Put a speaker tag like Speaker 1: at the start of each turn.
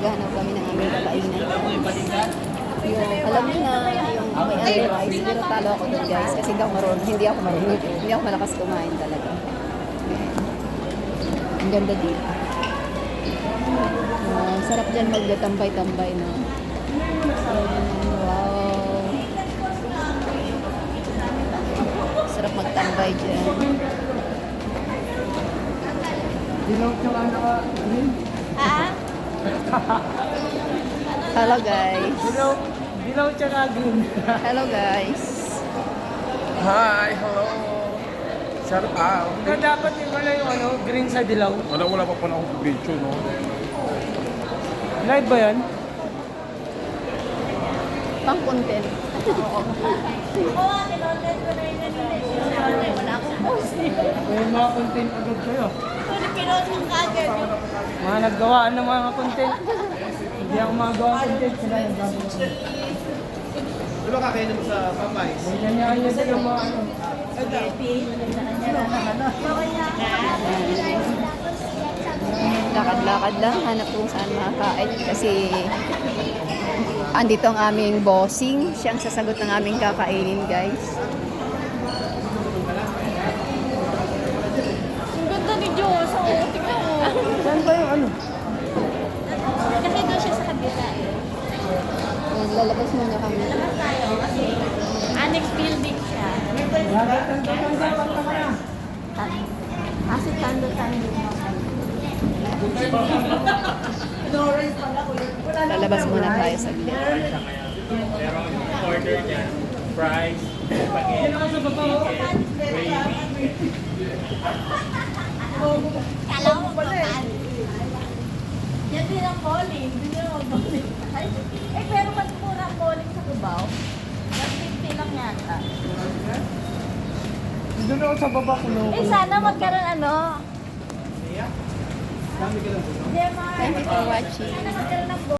Speaker 1: maghanap kami ng aming kakainan. Yung, alam niyo na, yung may otherwise, pero talo ako dun guys, kasi hindi ako marunong, hindi ako malakas kumain talaga. Ang ganda dito. Sarap dyan magdatambay-tambay, no? Wow. Sarap magtambay dyan. Hello guys.
Speaker 2: Dilaw tsaka green.
Speaker 1: Hello guys.
Speaker 3: Hi, hello. Shout out.
Speaker 2: Kaya dapat yung green sa dilaw.
Speaker 3: Wala pa po na akong video, no?
Speaker 2: Live ba yan?
Speaker 1: Pang content.
Speaker 2: May mga content agad kayo. Mga naggawaan ng mga content. Hindi ako magawa content. Sila yung gagawa.
Speaker 4: Di ba kakainin mo sa Popeyes?
Speaker 2: May ganyan din yung mga ano.
Speaker 1: Lakad-lakad lang, hanap kung saan makakain kasi andito ang aming bossing. Siyang sasagot ng aming kakainin, guys.
Speaker 5: Ang ganda ni Diyos. Oo, tignan mo.
Speaker 2: Saan ba yung ano?
Speaker 5: Kasi doon siya sa kabila eh.
Speaker 1: Lalabas muna kami.
Speaker 5: Labas tayo kasi annex building siya. Kasi tando-tando.
Speaker 1: Lalabas muna tayo saglit.
Speaker 4: Pero order niya, fries, spaghetti, chicken, gravy.
Speaker 5: Kala mo papan. Yan din ang bowling. Hindi nyo mag-bowling. Pero mas mura ang bowling sa Cubao. 150 lang yata.
Speaker 2: Doon ako sa baba ko.
Speaker 5: Sana magkaroon ano.
Speaker 4: Dami ka lang.
Speaker 5: Jemar.
Speaker 1: Thank you for watching.
Speaker 5: Sana magkaroon ng